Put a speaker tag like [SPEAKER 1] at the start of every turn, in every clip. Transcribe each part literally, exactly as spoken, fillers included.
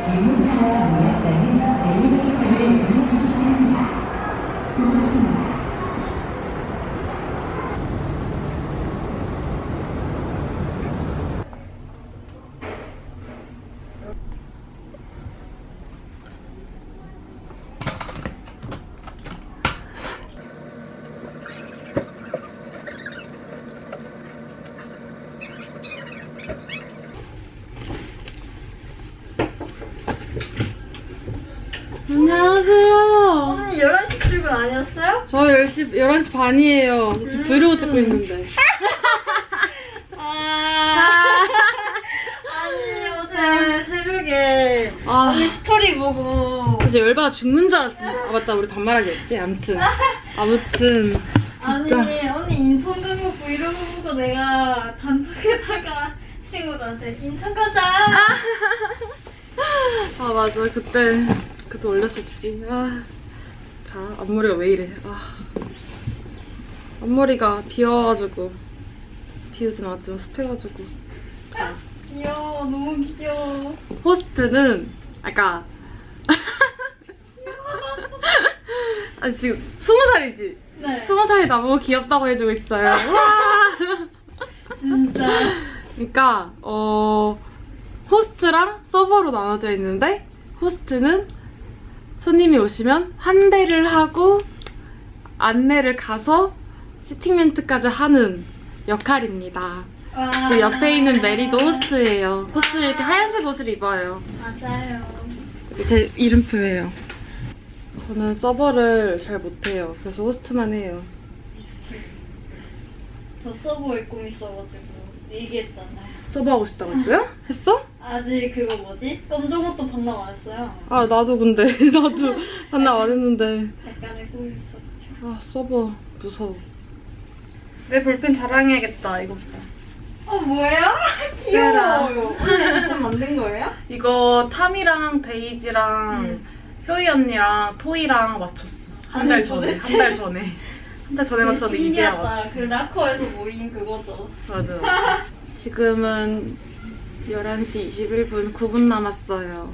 [SPEAKER 1] 안녕하세요.
[SPEAKER 2] 언니 열한 시 출근 아니었어요?
[SPEAKER 1] 저 열 시, 열한 시 반이에요. 지금
[SPEAKER 2] 음.
[SPEAKER 1] 브이로그 찍고 있는데.
[SPEAKER 2] 아. 아니 어제 새벽에
[SPEAKER 1] 아.
[SPEAKER 2] 언니 스토리 보고
[SPEAKER 1] 이제 열받아 죽는 줄 알았어. 아, 맞다. 우리 반말하기 했지? 아무튼. 아무튼. 진짜.
[SPEAKER 2] 아니 언니 인천 간 거 브이로그 보고 내가 단톡에다가 친구들한테 인천 가자.
[SPEAKER 1] 아, 맞아. 그때, 그때 올렸었지. 아. 자, 앞머리가 왜 이래. 아. 앞머리가 비어가지고. 비우진 않았지만 습해가지고. 자.
[SPEAKER 2] 귀여워 너무 귀여워.
[SPEAKER 1] 호스트는 아까 아 지금 스무 살이지?
[SPEAKER 2] 네.
[SPEAKER 1] 스무 살이 나보고 귀엽다고 해주고 있어요. 와.
[SPEAKER 2] 진짜.
[SPEAKER 1] 그러니까 어 호스트랑 서버로 나눠져 있는데 호스트는 손님이 오시면 환대를 하고 안내를 가서 시팅 멘트까지 하는 역할입니다.
[SPEAKER 2] 와.
[SPEAKER 1] 그 옆에 있는 메리도 호스트예요. 호스트 이렇게 하얀색 옷을 입어요.
[SPEAKER 2] 맞아요.
[SPEAKER 1] 제 이름표예요. 저는 서버를 잘 못해요. 그래서 호스트만 해요.
[SPEAKER 2] 저 서버에 꿈 있어가지고 얘기했잖아요.
[SPEAKER 1] 서버 하고 싶다고 했어요? 했어?
[SPEAKER 2] 아직 그거 뭐지? 검정 옷도 반납 안 했어요.
[SPEAKER 1] 아 나도 근데 나도 반납 안 했는데
[SPEAKER 2] 약간의 꿈이 있어가지고.
[SPEAKER 1] 아 서버 무서워. 내 볼펜 자랑해야겠다. 이거
[SPEAKER 2] 어 뭐예요? 귀여워요. 언니 직접 만든 거예요?
[SPEAKER 1] 이거 탐이랑 데이지랑
[SPEAKER 2] 음.
[SPEAKER 1] 효이 언니랑 토이랑 맞췄어. 한 달
[SPEAKER 2] 아니,
[SPEAKER 1] 전에.
[SPEAKER 2] 도대체?
[SPEAKER 1] 한 달 전에. 한 달 전에 맞췄는데 이제야 왔어.
[SPEAKER 2] 신기하다. 그 라커에서 모인 그거죠.
[SPEAKER 1] 맞아. 맞아. 지금은 열한 시 이십일 분 구 분 남았어요.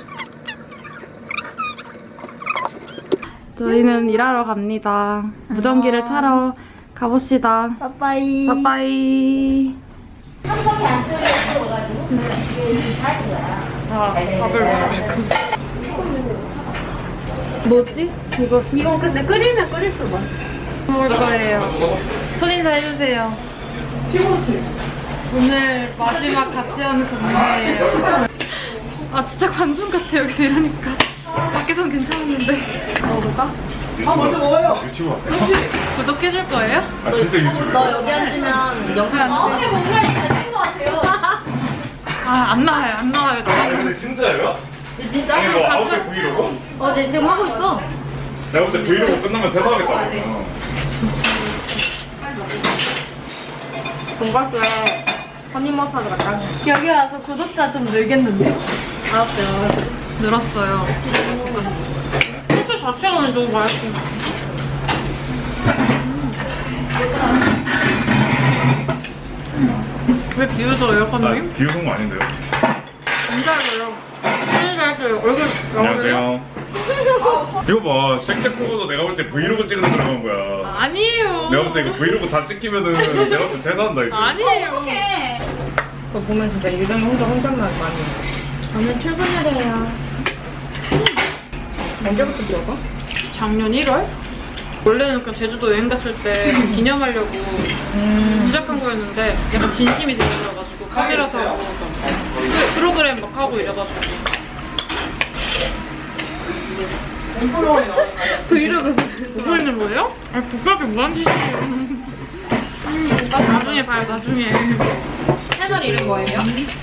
[SPEAKER 1] 저희는 일하러 갑니다. 무전기를
[SPEAKER 2] 아.
[SPEAKER 1] 차러 가봅시다.
[SPEAKER 2] 빠빠이.
[SPEAKER 1] 빠빠이. 아, 밥을 먹으니까. 뭐지? 이거
[SPEAKER 2] 이거 근데 끓이면 끓일수록 맛있어.
[SPEAKER 1] 먹을 거예요. 손인사 해주세요. 오늘 마지막 같이 하는 근무예요. 아 진짜 관종 같아 여기서 이러니까. 밖에선 괜찮았는데. 먹어볼까?
[SPEAKER 3] 아 먼저 먹어요. 유튜브 하세요?
[SPEAKER 1] 구독해줄 거예요?
[SPEAKER 3] 아 진짜 유튜브.
[SPEAKER 2] 너 여기 앉으면 영상 안 돼. 뭔가 잘된 것 같아요.
[SPEAKER 1] 아 안 나와요 안 나와요.
[SPEAKER 3] 아 근데 진짜예요?
[SPEAKER 2] 진짜?
[SPEAKER 3] 아니 뭐 아홉 대 브이로그?
[SPEAKER 2] 어, 네 지금 하고 있어.
[SPEAKER 3] 내가 볼 때 브이로그 끝나면 퇴사하겠다.
[SPEAKER 1] 돈가스에 허니머스타드 같다. 여기 와서 구독자 좀 늘겠는데?
[SPEAKER 2] 알았어요.
[SPEAKER 1] 늘었어요. 소스 자체가 오늘 너무 맛있어. 왜 비웃어요,
[SPEAKER 3] 나
[SPEAKER 1] 선생님?
[SPEAKER 3] 비웃은 거 아닌데요?
[SPEAKER 1] 진짜로요. 진짜로요. 얼굴
[SPEAKER 3] 안녕하세요. 이거 봐, 쉑쉑코고도 내가 볼 때 브이로그 찍으러 들어간 거야.
[SPEAKER 1] 아니에요.
[SPEAKER 3] 내가 볼 때 이거 브이로그 다 찍히면은 내가 볼 때 퇴사한다 이제.
[SPEAKER 1] 아니에요.
[SPEAKER 4] 그거 보면 진짜 유정이 혼자 혼잣말 많이 해.
[SPEAKER 1] 저는 출근해야
[SPEAKER 4] 언제부터 비워서?
[SPEAKER 1] 작년 일월? 원래는 그냥 제주도 여행 갔을 때 기념하려고 시작한 거였는데 약간 진심이 들어가지고 카메라 사고 막 프로그램 막 하고 이래가지고 브이로그 보고 있는 거예요? 아 부끄럽게 뭐하는 짓이에요. 음, 나중에 봐요 나중에.
[SPEAKER 4] 채널 이름 뭐예요?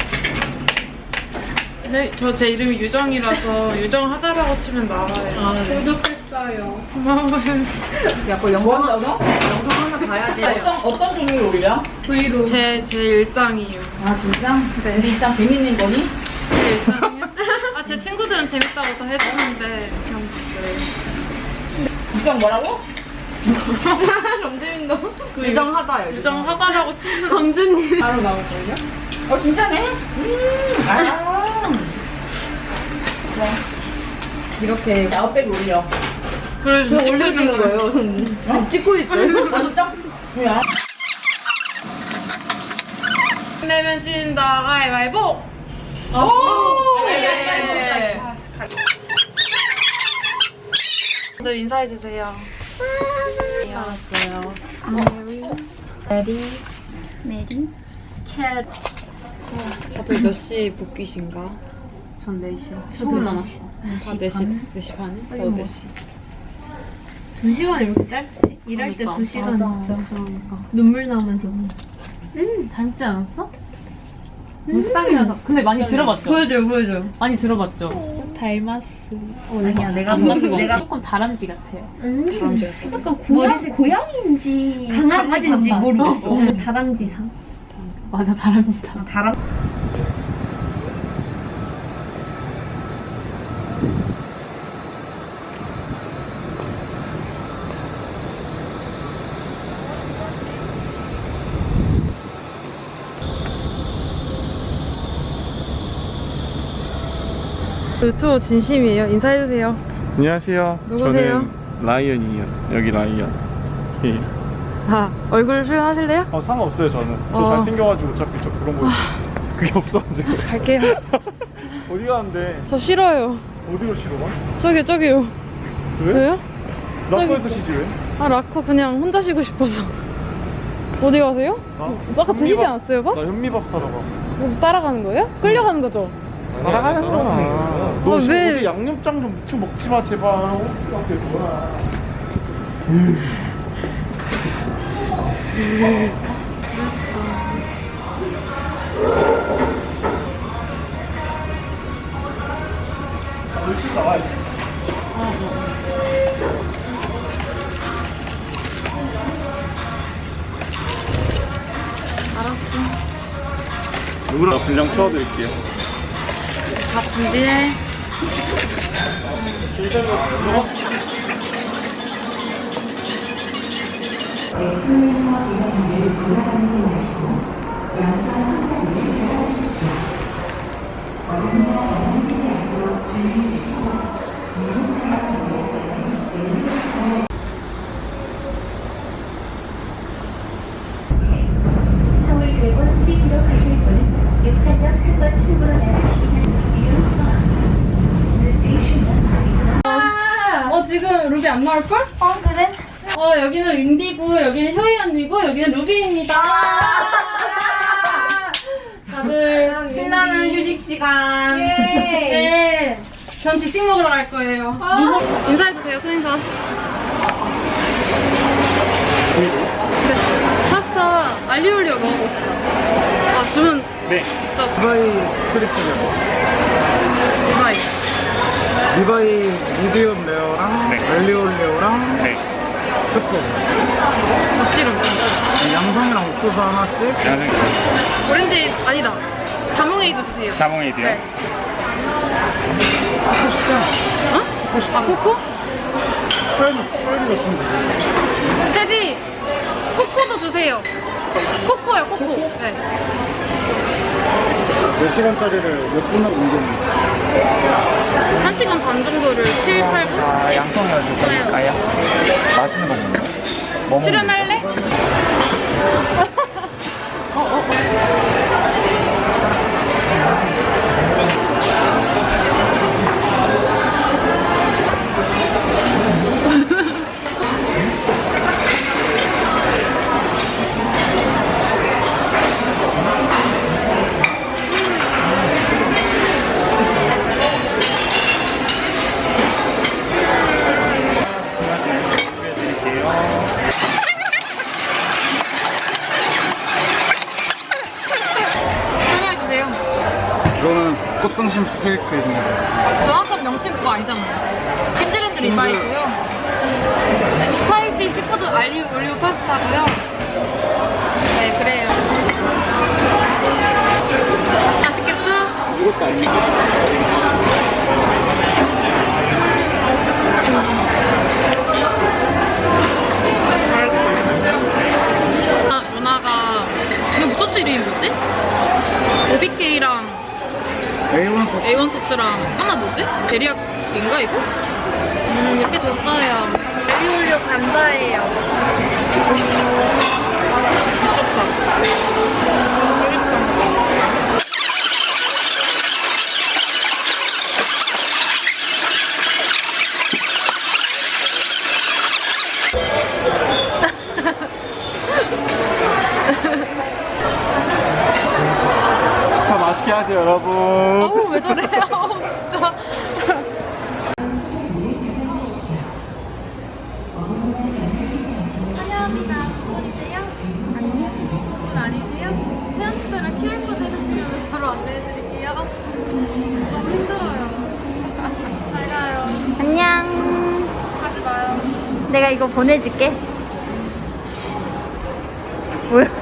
[SPEAKER 1] 네, 저 제 이름이 유정이라서 유정하다라고 치면 나와요.
[SPEAKER 4] 아, 네.
[SPEAKER 1] 구독했어요. 고마워요.
[SPEAKER 4] 야, 그거 영상 한다고? 영상 하나 봐야지. 어떤, 어떤 종류 올려?
[SPEAKER 1] 브이로그. 제, 제 일상이에요.
[SPEAKER 4] 아, 진짜?
[SPEAKER 1] 네.
[SPEAKER 4] 일상 재밌는 거니?
[SPEAKER 1] 제 일상이요? 아, 제 친구들은 재밌다고 다 해주는데 그냥 그래요.
[SPEAKER 4] 유정 뭐라고? 정준이도?
[SPEAKER 1] 그
[SPEAKER 4] 유정하다요.
[SPEAKER 1] 유정하다라고 치면 정준님.
[SPEAKER 4] 바로 나올걸요? 어, 진짜네? 음, 아. 이렇게 아웃백 올려.
[SPEAKER 1] 그래
[SPEAKER 4] 그거
[SPEAKER 1] 지금
[SPEAKER 4] 올려주는
[SPEAKER 1] 찍고 있는
[SPEAKER 4] 거예요. 어? 찍고 있어요? 나도 딱. 뭐야?
[SPEAKER 1] 내면 진다 가위바위보.
[SPEAKER 4] 오!
[SPEAKER 1] 네.
[SPEAKER 4] 네.
[SPEAKER 1] 다들 인사해 주세요.
[SPEAKER 2] 알았어요. 메리, 메리, 캣.
[SPEAKER 1] 다들 몇 시 복귀신가?
[SPEAKER 2] 전 네 시.
[SPEAKER 1] 십 분 남았어. 아, 네 시, 네 시 반에? 어, 네 시.
[SPEAKER 2] 두 시간이 왜 이렇게 짧지? 일할 때
[SPEAKER 1] 그러니까.
[SPEAKER 2] 두 시간
[SPEAKER 1] 맞아.
[SPEAKER 2] 진짜. 그러니까. 눈물 나면서. 음, 닮지 않았어? 무쌍이라서. 근데 많이 들어봤죠? 보여줘요, 보여줘요. 많이 들어봤죠? 닮았어. 아니야, 내가
[SPEAKER 1] 안 맞는 거
[SPEAKER 2] 내가
[SPEAKER 1] 조금 다람쥐 같아요.
[SPEAKER 2] 음,
[SPEAKER 1] 다람쥐.
[SPEAKER 2] 약간 고양, 고양이인지 강아지인지 모르겠어.
[SPEAKER 1] 어.
[SPEAKER 2] 다람쥐상.
[SPEAKER 1] 맞아, 다람쥐다.
[SPEAKER 2] 다람.
[SPEAKER 1] 유튜브 진심이에요. 인사해주세요.
[SPEAKER 3] 안녕하세요.
[SPEAKER 1] 누구세요?
[SPEAKER 3] 저는 라이언이에요. 여기 라이언. 예.
[SPEAKER 1] 아, 얼굴 표현하실래요?
[SPEAKER 3] 어 상관없어요 저는. 저
[SPEAKER 1] 어.
[SPEAKER 3] 잘생겨가지고 어차피 저 그런 거 그게 없어가지고.
[SPEAKER 1] 갈게요.
[SPEAKER 3] 어디 가는데?
[SPEAKER 1] 저 싫어요.
[SPEAKER 3] 어디로 쉬러 가?
[SPEAKER 1] 저기요, 저기요.
[SPEAKER 3] 왜?
[SPEAKER 1] 왜요?
[SPEAKER 3] 라커에서 쉬지 왜?
[SPEAKER 1] 아, 라커 그냥 혼자 쉬고 싶어서. 어디 가세요?
[SPEAKER 3] 나?
[SPEAKER 1] 아까 드시지
[SPEAKER 3] 현미밥-
[SPEAKER 1] 않았어요, 밥?
[SPEAKER 3] 나 현미밥 사러 가.
[SPEAKER 1] 뭐 따라가는 거예요? 끌려가는 거죠?
[SPEAKER 3] 따라가는 거야. 너
[SPEAKER 1] 아,
[SPEAKER 3] 지금
[SPEAKER 1] 왜?
[SPEAKER 3] 어디 양념장 좀 묻혀 먹지 마 제발. 호스트 앞에 뭐야? 일찍 나와야지.
[SPEAKER 1] 알았어.
[SPEAKER 3] 누구랑 분량 채워드릴게요.
[SPEAKER 1] 밥 준비해.
[SPEAKER 5] 서울대원 스피드로 가실 분은 용산역 삼 번 출구로 나가시면 이용서 The station number
[SPEAKER 1] 어, 지금 루비 안 나올걸?
[SPEAKER 2] 어, 그래?
[SPEAKER 1] 어, 여기는 윈디고, 여기는 효이 언니고, 여기는 루비입니다. 다들 신나는 휴식 시간. 네. 전 직식 먹으러 갈 거예요. 인사해주세요, 소인사. 네. 파스타 알리올리오 먹어보고 싶다. 아, 주문
[SPEAKER 3] 네.
[SPEAKER 1] 진짜
[SPEAKER 3] 리바이 스트리트요.
[SPEAKER 1] 디바이.
[SPEAKER 6] 리바이 미디엄 레어랑
[SPEAKER 3] 네.
[SPEAKER 6] 알리올리오랑
[SPEAKER 3] 네.
[SPEAKER 6] 스프
[SPEAKER 1] 무씨름.
[SPEAKER 6] 양송이랑 옥수수 하나씩
[SPEAKER 3] 저는
[SPEAKER 1] 오렌지 아니다. 자몽에이드 주세요.
[SPEAKER 3] 자몽에이드요.
[SPEAKER 1] 네. 어? 아, 코코?
[SPEAKER 6] 프라이드 프라이드 같은데
[SPEAKER 1] 테디! 코코도 주세요. 코코요, 코코. 네.
[SPEAKER 6] 몇 시간짜리를 몇 분하고 옮겼는데
[SPEAKER 1] 한 시간 반 정도를 칠, 팔 분?
[SPEAKER 6] 아 양송이가 좀
[SPEAKER 1] 좋아요.
[SPEAKER 6] 맛있는 거 먹는 거 뭐 먹는
[SPEAKER 1] 출연할래? 어, 어, 어. 설명해주세요.
[SPEAKER 6] 이거는 꽃등심 스테이크입니다
[SPEAKER 1] 정확한 명칭 그거 아니잖아요. 킨즈랜드 리바이고요. 스파이시 시푸드 알리오 올리오 파스타고요. 네, 그래요. 맛있겠죠?
[SPEAKER 6] 이것도 아닌데
[SPEAKER 1] 아, 누나가 이거 무슨 이름이 뭐지? 오비케이랑
[SPEAKER 6] 에이원
[SPEAKER 1] 에이원 토스랑 하나 뭐지? 데리야끼인가 이거? 음 이렇게 줬어요.
[SPEAKER 2] 올리올리오 감자예요.
[SPEAKER 6] 식사 맛있게 하세요, 여러분.
[SPEAKER 1] 어우 왜 저래? 어우 진짜.
[SPEAKER 2] 환영합니다. 주문이세요? 아니요. 주문 아니세요? 체험스토랑 큐알코드 해주시면 바로 안내해드릴게요. 너무 힘들어요. 잘 가요.
[SPEAKER 7] 안녕.
[SPEAKER 2] 가지 마요.
[SPEAKER 7] 내가 이거 보내줄게. 뭐야?